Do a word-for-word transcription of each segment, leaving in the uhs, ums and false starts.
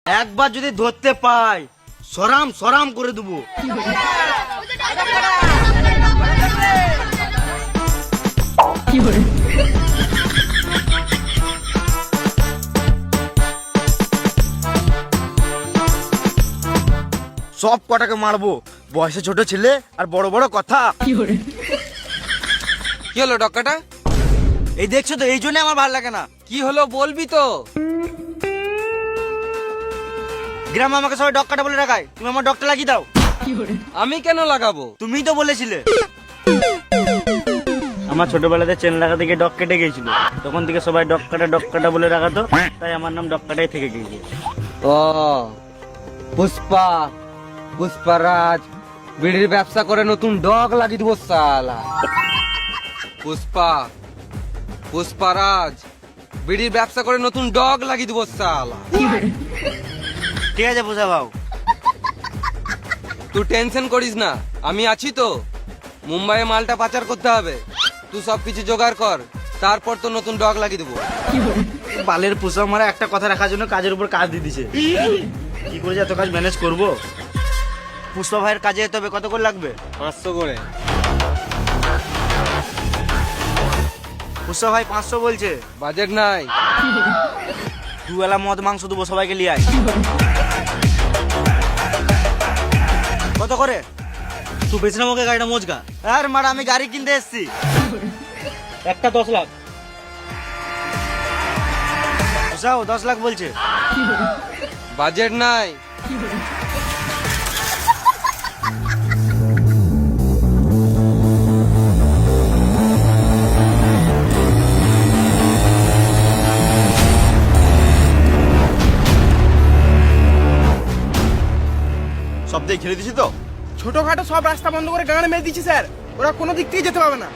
একবার যদি ধরতে পাই সরাম সরাম করে দেবো। সব কটাকে মারবো, বয়সে ছোট ছেলে আর বড় বড় কথা। কি হলো ডক্কাটা? এই দেখছো তো, এই জন্য আমার ভালো লাগে না। কি হলো বলবি তো? গ্রামে আমাকে সবাই ডক্কাটা বলে রাখায়, তুমি আমার ডক্টর লাগিয়ে দাও। আমি কেন লাগাবো? তুমিই তো বলেছিলে। আমার ছোটবেলাতে চেন লাগাতে গিয়ে ডক কেটে গিয়েছিল, তখন থেকে সবাই ডক্কাটা ডক্কাটা বলে রাখাতো, তাই আমার নাম ডক্কাটাই থেকে গিয়েছে। ও পুষ্পা, পুষ্পারাজ বিড়ির ব্যবসা করে নতুন ডগ লাগিয়ে দিব সালা। পুষ্পা, পুষ্পারাজ বিড়ির ব্যবসা করে নতুন ডগ লাগিয়ে দিব সালা। ঠিক আছে বুঝা ভাও। তুই টেনশন করিস না, আমি আছি তো। মুম্বাইয়ে মালটা পাচার করতে হবে, তুই সবকিছু জোগাড় কর, তারপর তো নতুন ডগ লাগিয়ে দেবো। বালের পোষা মারা একটা কথা রাখার জন্য কাজের উপর কাজ দিয়ে দিছে। কি করে যে এত কাজ ম্যানেজ করবো? পুষ্পা ভাইয়ের কাজে যেতে হবে, কত করে লাগবে? পাঁচশো করে। পুষ্পা ভাই পাঁচশো বলছে। বাজেট নাই। দুবেলা মদ মাংস দেবো, সবাইকে নিয়ে আয়। কত করে? তুই বেছে নাম ওকে গাড়িটা মোজগা। আর মারা আমি গাড়ি কিনতে এসছি। একটা দশ লাখ বুঝাও, দশ লাখ বলছে। বাজেট নাই। সব দিয়ে খেলে দিছি তো। ছোটখাটো সব রাস্তা বন্ধ করে গান মেরে দিচ্ছি স্যার, ওরা কোনো দিক থেকে যেতে পারবে না।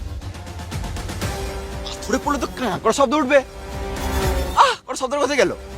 ধরে পড়লে তো কাঁ করে শব্দ উঠবে। আহ করে শব্দের কোথায় গেল?